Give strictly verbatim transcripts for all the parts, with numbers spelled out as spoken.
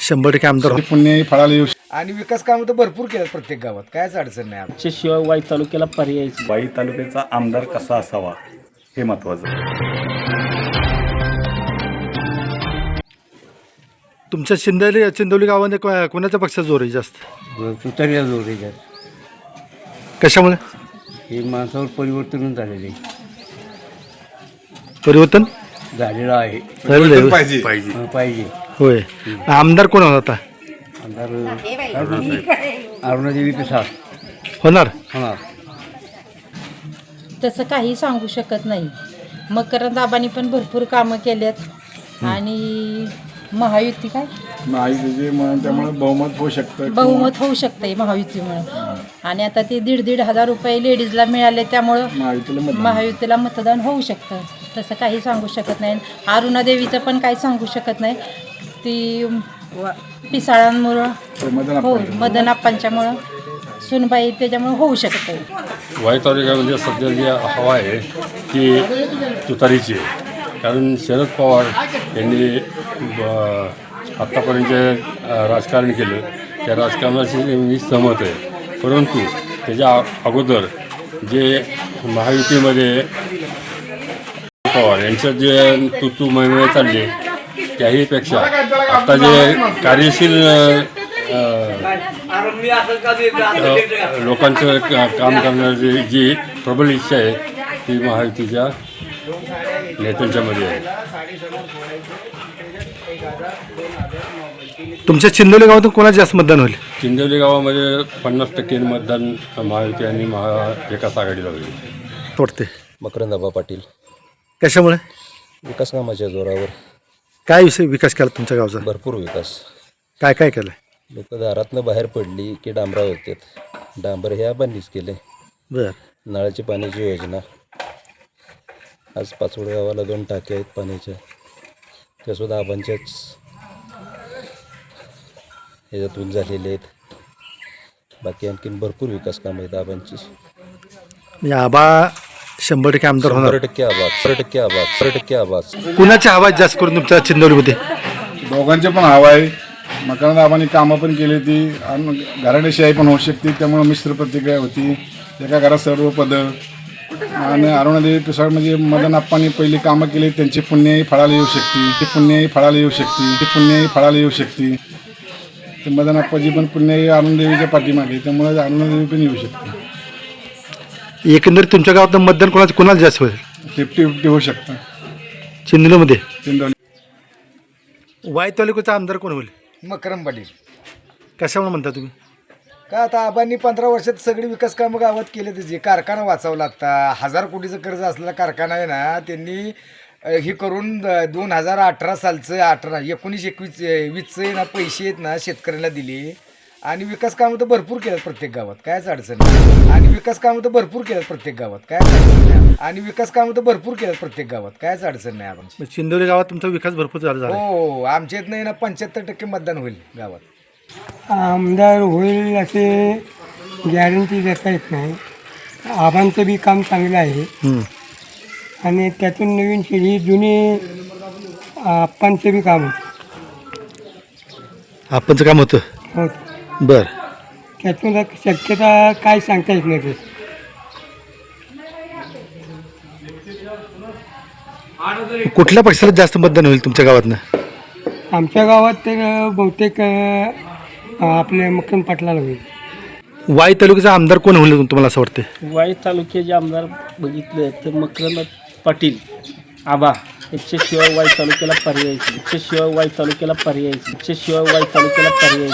शंभर टक्के आमदार पुण्य फळाला येऊ आणि विकास कामं तर भरपूर केलं प्रत्येक गावात, कायच अडचण नाही आमच्या. शिवाय वाई तालुक्याला पर्याय वाई तालुक्याचा आमदार कसा असावा हे महत्त्वाचं. तुमच्या चिंदोली चिंदोली गावाने को- कोणाच्या पक्षाचा जोर आहे जास्त? तुतारीला जोर आहे त्यात. कशामुळे हे माणसावर परिवर्तन झालेले परिवर्तन झालेलं आहे. झालेलं आहे? पाहिजे हं, पाहिजे. होय. आमदार कोण होता? आमदार अरुणादेवी प्रसाद होणार. होणार. तसं काही सांगू शकत नाही. मकरंद आबांनी पण भरपूर कामं केल्यात आणि महायुती काय माहिती म्हणून त्यामुळे बहुमत होऊ शकतं. बहुमत होऊ शकतंय महायुतीमुळं. आणि आता ते दीड दीड हजार रुपये लेडीजला मिळाले त्यामुळं महायुतीला मतदान. महायुतीला मतदान होऊ शकतं. तसं काही सांगू शकत नाही. अरुणादेवीचं पण काही सांगू शकत नाही. ती व- पिसाळांमुळं मदन हो मदन आप्पांच्यामुळं सुनबाई त्याच्यामुळं होऊ शकतं. वाई तालुक्यामध्ये सध्या जी हवा आहे ती तुतारीची आहे. कारण शरद पवार यांनी ब- आत्तापर्यंत जे अ, राजकारण केलं त्या राजकारणाशी मी सहमत आहे. परंतु त्याच्या अ- अगोदर जे महायुतीमध्ये पवार यांच्यात जे तू तू महिमे चालले त्याहीपेक्षा आता जे कार्यशील अ, अ, लोकांचं का- काम करण्याची जी प्रबल इच्छा आहे ती महायुतीच्या नेत्यांच्यामध्ये आहे. तुमच्या चिंदोली गावातून कोणाचं जास्त मतदान होईल? चिंदोली गावामध्ये पन्नास टक्के मतदान महायुती आणि महाविकास आघाडीला होईल. वाटते मकरंदाबा पाटील. कशामुळे? विकास कामाच्या जोरावर काय विषय विकास केला तुमच्या गावचा? भरपूर विकास. काय काय केलं? लोक दारातनं बाहेर पडली की डांबरा होतात. डांबर हे आबांनीच केले. बरं. नळाची पाण्याची योजना. आज पाचवड गावाला दोन टाक्या आहेत पाण्याच्या, त्यासुद्धा आबांच्याच ह्याच्यातून झालेले आहेत. बाकी आणखीन भरपूर विकास कामं आहेत आबांची. म्हणजे आबा शंभर टक्के आमदार शंभर होणार. टक्के आवाज शंभर टक्के आवाज शंभर टक्के आवाज. कुणाच्या आवाज जास्त करून तुमच्या चिंदोलीमध्ये? दोघांचे पण हवा आहे. मकरंद आबांनी कामं पण केली ती आणि घराणेशाही पण होऊ शकते. त्यामुळे मिश्र प्रतिक्रिया होती. एका घरात सर्व पदं आणि अरुणादेवी पिसाळ म्हणजे मदन आप्पांनी पहिली कामं केली त्यांची पुण्याही फळाला येऊ शकते. ती पुण्याही फळाला येऊ शकते. ती पुण्याही फळाला येऊ शकते. ते मदन आप्पाजी पण पुण्याही अरुणादेवीच्या पाठीमागे, त्यामुळे अरुणादेवी पण येऊ शकते. एकंदरीत तुमच्या गावात मतदान कोणाचं कोणाला जास्त होईल? फिफ्टी फिफ्टी होऊ शकतं चिंदोलीमध्ये. चिंदोली. वाई तालुक्याचा आमदार कोण होईल? मकरंद पाटील. कशामुळे म्हणता तुम्ही? का आता आबांनी पंधरा वर्षात सगळी विकास कामं गावात केले. त्याचे कारखाना वाचवला. आता हजार कोटीचं कर्ज असलेला कारखाना आहे ना, त्यांनी अ, हे करून द- दोन हजार अठरा सालचं अठरा एकोणीस एकवीस वीसचं ना पैसे आहेत ना शेतकऱ्याला दिले. आणि विकास कामं तर भरपूर केलं प्रत्येक गावात, कायच अडचण नाही. आणि विकास कामं तर भरपूर केलं प्रत्येक गावात, कायच अडचण नाही. आणि विकास कामं तर भरपूर केलं प्रत्येक गावात, कायच अडचण नाही आपण. चिंदोली गावात तुमचा विकास भरपूर झाला झाला. हो आमच्या इथनं ना पंच्याहत्तर टक्के मतदान होईल गावात. आमदार होईल असे गॅरंटी देता येत नाही. आबांचं बी काम चांगलं आहे हम्म. आणि त्यातून नवीन पिढी जुनी आप्पांचं बी काम आपणचं काम होतं. होतं. बरं. त्यातून एक शक्यता काय सांगता येत नाही. कुठल्या पक्षाला जास्त मतदान होईल तुमच्या गावातनं? आमच्या गावात तर बहुतेक अ, आपले मकरंद पाटलाला होईल. वाई तालुक्याचा आमदार कोण होईल तुम्हाला असं वाटते? वाई तालुक्याचे आमदार बघितलं तर मकरंद पाटील आबा याच्याशिवाय वाई तालुक्याला पर्याय याच्याशिवाय वाई तालुक्याला पर्याय याच्याशिवाय वाई तालुक्याला पर्याय.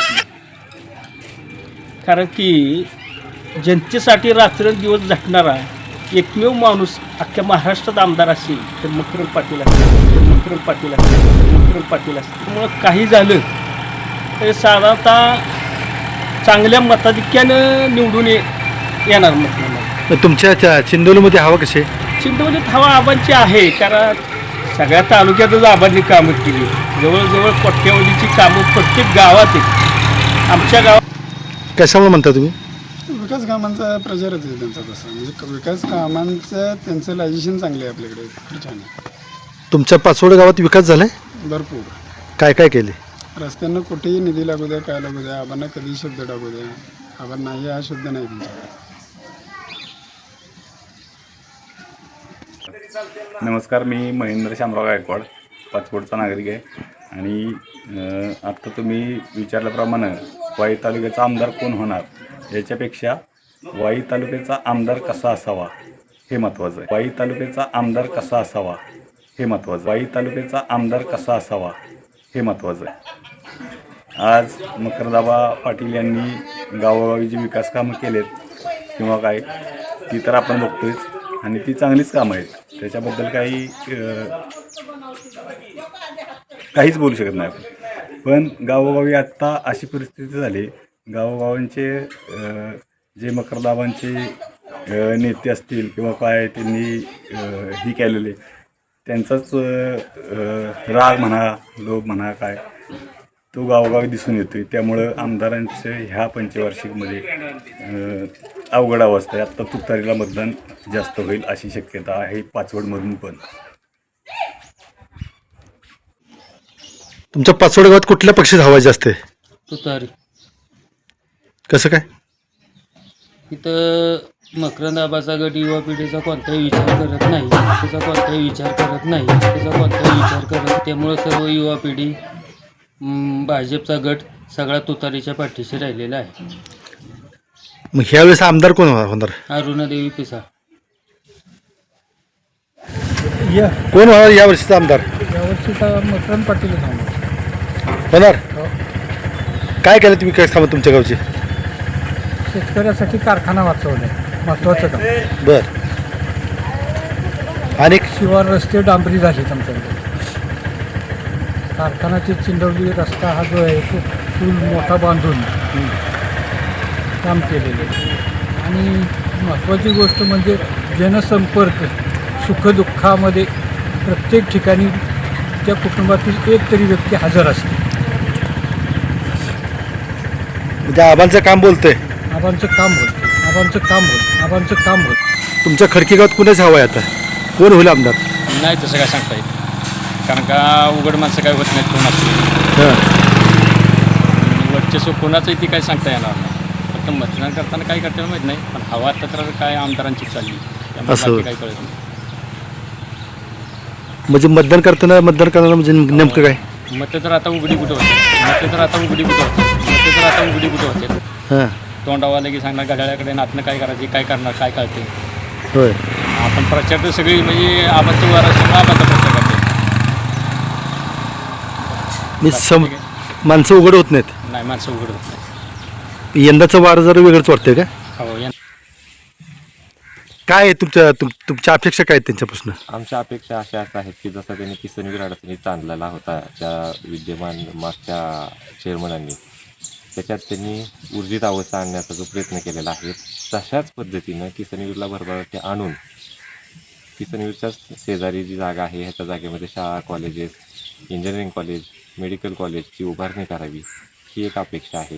कारण की जनतेसाठी रात्रंदिवस झटणारा एकमेव माणूस अख्ख्या महाराष्ट्रात आमदार असेल तर मकरंद पाटील असतील तर मकरंद पाटील असतील तर मकरंद पाटील असतील. त्यामुळं काही झालं तर साधारणतः चांगल्या मताधिक्यानं निवडून ये येणार मग. तुमच्या त्या चिंदोलीमध्ये हवा कशी आहे? चिंदोलीत हवा आबांची आहे. कारण सगळ्या तालुक्यातच आबांनी कामं केली. जवळजवळ कोट्यावधीची कामं प्रत्येक गावात आहेत. आमच्या गावात कशामुळे म्हणता तुम्ही? विकास कामांचा प्रचारच आहे त्यांचा तसा. म्हणजे विकास कामांचं त्यांचं लायजेशन चांगलं आहे आपल्याकडे. खूप छान आहे. तुमच्या पाचवड गावात विकास झालाय? भरपूर काय काय केले? रस्त्यांना कुठेही निधी लागू द्या, काय लागू द्या, आबांना कधी शब्द टाकू द्या, आबा नाही हा शब्द नाही त्यांच्याकडे. नमस्कार, मी महेंद्र शामराव गायकवाड, पाचवडचा नागरिक आहे. आणि अ, आत्ता तुम्ही विचारल्याप्रमाणे वाई तालुक्याचा आमदार कोण होणार याच्यापेक्षा वाई तालुक्याचा आमदार कसा असावा हे महत्त्वाचं आहे. वाई तालुक्याचा आमदार कसा असावा हे महत्त्वाचं वाई तालुक्याचा आमदार कसा असावा हे महत्त्वाचं आहे. आज मकरदाबा पाटील यांनी गावोगावी जी विकास कामं केलेत किंवा काय, ती तर आपण बघतोयच आणि ती चांगलीच कामं आहेत. त्याच्याबद्दल काही अ, काहीच बोलू शकत नाही आपण. पण गावोगावी आत्ता अशी परिस्थिती झाली, गावोगावांचे अ, जे मकरदाबांचे अ, नेते असतील किंवा काय त्यांनी अ, ही केलेले त्यांचाच अ, राग म्हणा, लोभ म्हणा, काय तो गावोगावी दिसून येतो. त्यामुळं आमदारांचं ह्या पंचवार्षिकमध्ये अ, अवघड अवस्था आहे. आत्ता तुतारीला मतदान जास्त होईल अशी शक्यता आहे पाचवडमधून. पण तुमच्या पाचवड गावात कुठल्या पक्षात हवा जास्त आहे? तुतारी. कसं काय? इथं मकरंद आबाचा गट युवा पिढीचा कोणताही विचार करत नाही, त्याचा कोणताही विचार करत नाही, त्याचा कोणताही विचार करत. त्यामुळं सर्व युवा पिढी म, भाजपचा गट सगळा तुतारीच्या पाठीशी राहिलेला आहे. मग ह्यावेळेस आमदार कोण होणार? अरुणादेवी पिसाळ. कोण होणार यावर्षीचा आमदार? यावर्षीचा मकरंद पाटील होणार. काय केलं तुम्ही काय कामं तुमच्या गावची? शेतकऱ्यासाठी कारखाना वाचवलाय, महत्त्वाचं काम. बर. आणि शिवार रस्ते डांबरी झालेत आमच्याकडे. कारखानाची चिंडवली रस्ता हा जो आहे तो पूल मोठा बांधून काम केलेले. आणि महत्त्वाची गोष्ट म्हणजे जनसंपर्क. सुखदुःखामध्ये प्रत्येक ठिकाणी त्या कुटुंबातील एक तरी व्यक्ती हजर असते. म्हणजे आबांचं काम बोलतंय. आबांचं काम होतं, आबांचं काम होतं, आबांचं काम होतं. तुमच्या खडकी गावात कुणाच हवं आहे आता? कोण होईल आमदार? नाही तसं काय सांगता येत, कारण का उघड माणसं काय होत नाहीत कोणाचं. हां. वर्चस्व कोणाचं ती काय सांगता येणार नाही. फक्त मतदान करताना काय करताना माहीत नाही, पण हवा आता तर काय आमदारांची चालली, त्यामुळे असं. बाकी काही कळत नाही. म्हणजे मतदान करताना मतदान करताना म्हणजे नेमकं काय? मतं तर आता उघडी कुठं होते, मतं तर आता उघडी कुठं होते, मतं तर आता उघडी कुठं होते. हां. तोंडावाला की सांगणार घड्याळ्याकडे नातनं काय करायची, काय करणार, काय कळते. होय. आपण प्रचार तर सगळी म्हणजे आबांचं वार असतो, आबांचा प्रचार करते. मी सम माणसं उघड होत नाहीत. नाही, माणसं उघड होत नाही. यंदाचं वार जरा वेगळंच वाटतंय का? हो. या काय आहे तुमच्या तुम तुमच्या अपेक्षा काय आहेत त्यांच्यापासून? आमच्या अपेक्षा अशा आहेत की जसं त्यांनी किसनवीर अडचणीत चांदलेला होता त्या विद्यमान मागच्या चेअरमनांनी, त्याच्यात त्यांनी ऊर्जित अवस्था आणण्याचा जो प्रयत्न केलेला आहे, तशाच पद्धतीनं किसनवीरला भरभराटी आणून किसनवीरच्या शेजारी जी जागा आहे ह्याच्या जागेमध्ये शाळा, कॉलेजेस, इंजिनिअरिंग कॉलेज, मेडिकल कॉलेजची उभारणी करावी ही एक अपेक्षा आहे.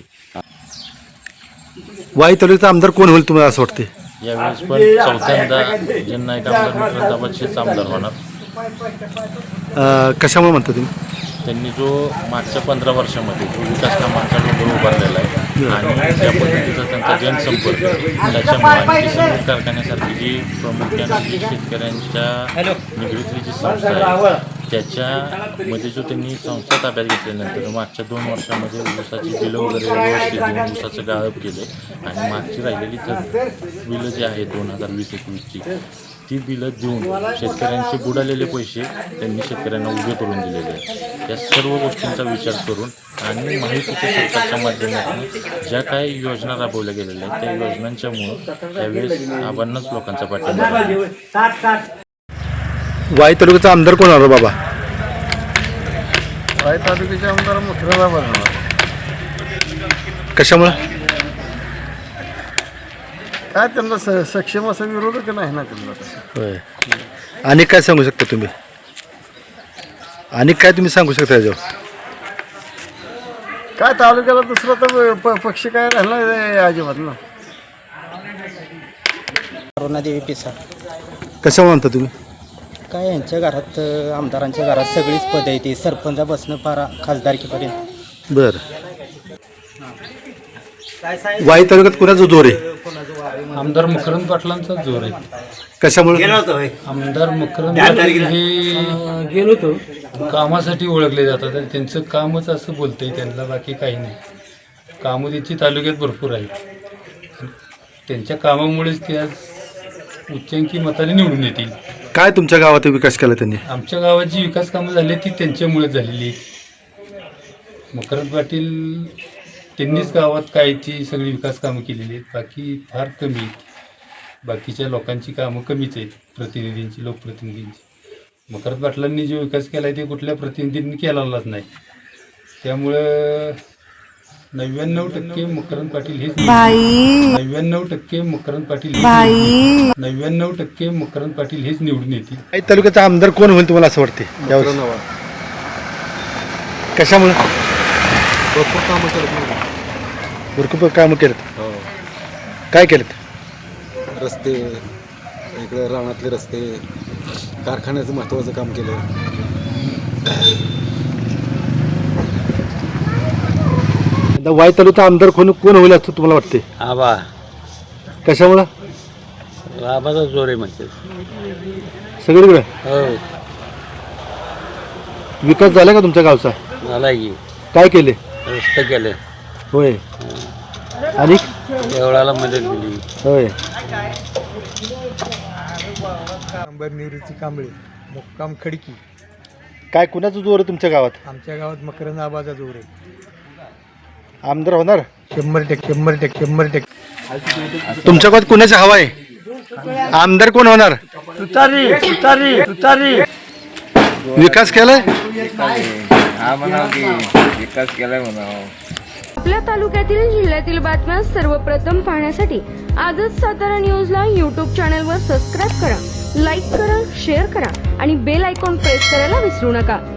वाई तालुक्याचा आमदार कोण होईल तुम्हाला असं वाटते? यावेळेस पण चौथ्यांदा जननायक आमदार मकरंदाबादचेच आमदार होणार. अं, कशामुळे म्हणता तुम्ही? त्यांनी जो मागच्या पंधरा वर्षामध्ये जो विकास कामांचा डोंगर उभारलेला आहे आणि ज्या पद्धतीचा त्यांचा जनसंपर्क त्याच्यामुळे आणि किसनवीर कारखान्यासारखी जी प्रामुख्याने जी शेतकऱ्यांच्या निगडीतली जी संस्था आहे त्याच्यामध्ये जो त्यांनी संस्था ताब्यात घेतल्यानंतर मागच्या दोन वर्षामध्ये ऊसाची बिलं वगैरे व्यवस्थित देऊन ऊसाचं गाळप केलं आणि मागची राहिलेली तर बिलं जी आहेत दोन हजार वीस एकवीसची ती बिलं देऊन शेतकऱ्यांचे बुडालेले पैसे त्यांनी शेतकऱ्यांना उभे करून दिलेले आहेत. या सर्व गोष्टींचा विचार करून आणि माहितीच्या सरकारच्या माध्यमातून ज्या काही योजना राबवल्या गेलेल्या आहेत त्या योजनांच्यामुळं त्यावेळेस आव्हानांच लोकांचा पाठिंबा आहे. वाई तालुक्याचा आमदार कोण होणार बाबा? वाई तालुक्याचे आमदार मकरंद होणार. कशामुळे? काय त्यांना स सक्षम असा विरोधक नाही ना त्यांना तसं. होय. आणि काय सांगू शकता तुम्ही? आणि काय तुम्ही सांगू शकता याच्यावर? काय तालुक्याला दुसरा तर प पक्ष काय राहिला नाही अजिबात ना. अरुणादेवी पिसाळ. कशामुळे म्हणता तुम्ही? काय यांच्या घरात, आमदारांच्या घरात सगळीच पदं आहे, ती सरपंचापासून फार खासदारकीपर्यंत बर वाई तालुक्यात कुणाचा जोर आहे? आमदार मकरंद पाटलांचा जोर आहे. कशामुळे? आमदार मकरंद पाटील हे गेलो तो कामासाठी ओळखले जातात आणि त्यांचं कामच असं बोलतंय त्यांना, बाकी काही नाही. कामं त्यांची तालुक्यात भरपूर आहेत. त्यांच्या कामामुळेच ते आज उच्चांकी मताने निवडून येतील. काय तुमच्या गावात विकास केला त्यांनी? आमच्या गावात जी विकास कामं झाली ती त्यांच्यामुळेच झालेली आहेत. मकरंद पाटील त्यांनीच गावात काय ती सगळी विकास कामं केलेली आहेत, बाकी फार कमी आहेत. बाकीच्या लोकांची कामं कमीच आहेत, प्रतिनिधींची, लोकप्रतिनिधींची. मकरंद पाटलांनी जो विकास केला आहे ते कुठल्या प्रतिनिधींनी केलेलाच नाही. त्यामुळं नव्याण्णव टक्के मकरंद पाटील हेच नव्याण्णव टक्के मकरंद पाटील हेच नव्याण्णव टक्के मकरंद पाटील हेच निवडून येतील. वाई तालुक्याचा आमदार कोण होईल तुम्हाला असं वाटते यावेळेस? कशामुळे? भरपूर कामं करत भरपूर कामं केलेत. काय केलेत? रस्ते, इकडे रानातले रस्ते, कारखान्याचं महत्त्वाचं काम केलं. आता वाई तालुक्याचा आमदार कोण कोण होईल असं तुम्हाला वाटते? आबा कशामुळं? आबाचा जोर आहे म्हणते सगळीकडे. हो विकास झाला का तुमच्या गावचा? झाला की काय केले? रस्ते केले, होय. आणि देवळाला मदत दिली. होय. अंबर निवृत्ती कांबळे, मुक्काम खडकी. काय कुणाचं जोर आहे तुमच्या गावात? आमच्या गावात मकरंद आबाचा जोर आहे. आमदार होणार? शंभर टक्के शंभर टक्के शंभर टक्के. तुमच्या गावात कुणाची हवा आहे? आमदार कोण होणार? तुतारी तुतारी तुतारी. विकास केलाय? विकास केलाय म्हणावं. आपल्या तालुक्यातील जिल्ह्यातील बातम्या सर्वप्रथम पाहण्यासाठी आजच सातारा न्यूजला यूट्यूब चॅनलवर सबस्क्राईब करा, लाईक करा, शेअर करा आणि बेल आयकॉन प्रेस करायला विसरू नका.